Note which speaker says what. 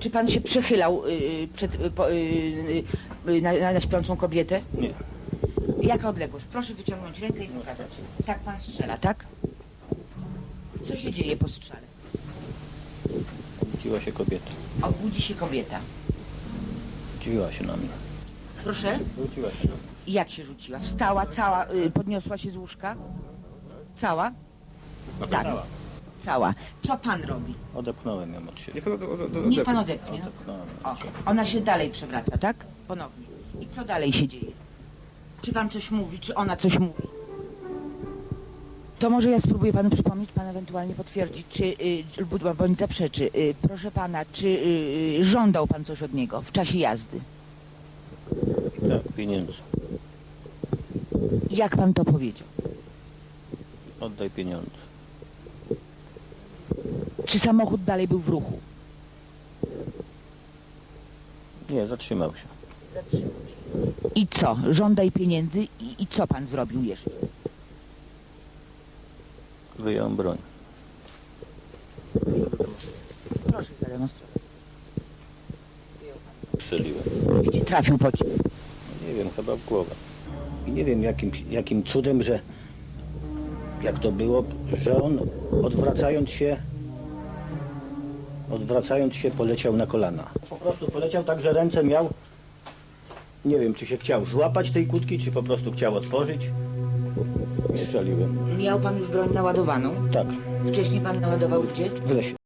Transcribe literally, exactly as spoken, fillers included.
Speaker 1: Czy pan się przechylał y, przed, y, po, y, y, na, na, na śpiącą kobietę?
Speaker 2: Nie.
Speaker 1: Jaka odległość? Proszę wyciągnąć rękę i pokazać. Tak pan strzela, tak? Co się dzieje po strzale?
Speaker 2: Obudziła się kobieta.
Speaker 1: Obudzi się kobieta.
Speaker 2: Dziwiła się na mnie.
Speaker 1: Proszę?
Speaker 2: Wróciła się na mnie.
Speaker 1: I jak się rzuciła? Wstała, cała, y, podniosła się z łóżka? Cała? Tak. Cała. Co pan robi?
Speaker 2: Odepchnąłem ją od siebie.
Speaker 3: Niech pan od, od, od,
Speaker 1: Niech
Speaker 3: odepnie.
Speaker 1: pan odepnie. No.
Speaker 2: Odepchnąłem ją
Speaker 1: O,
Speaker 2: od siebie.
Speaker 1: ona się dalej przewraca, tak? Ponownie. I co dalej się dzieje? Czy pan coś mówi, czy ona coś mówi? To może ja spróbuję panu przypomnieć, pan ewentualnie potwierdzi, czy, y, bądź bądź zaprzeczy. Y, proszę pana, czy y, żądał pan coś od niego w czasie jazdy?
Speaker 2: Tak, pieniędzy.
Speaker 1: Jak pan to powiedział?
Speaker 2: Oddaj pieniądze.
Speaker 1: Czy samochód dalej był w ruchu?
Speaker 2: Nie, zatrzymał się.
Speaker 1: I co? Żądaj pieniędzy i, i co pan zrobił jeszcze?
Speaker 2: Wyjął broń.
Speaker 1: Proszę zademonstrować.
Speaker 2: Strzeliłem.
Speaker 1: Gdzie trafił pocisk?
Speaker 2: Nie wiem, chyba w głowę.
Speaker 4: I nie wiem jakim, jakim cudem, że jak to było, że on odwracając się, odwracając się poleciał na kolana. Po prostu poleciał tak, że ręce miał, nie wiem czy się chciał złapać tej kłódki, czy po prostu chciał otworzyć. I strzeliłem.
Speaker 1: Miał pan już broń naładowaną?
Speaker 4: Tak,
Speaker 1: Wcześniej pan naładował gdzie?
Speaker 4: w lesie.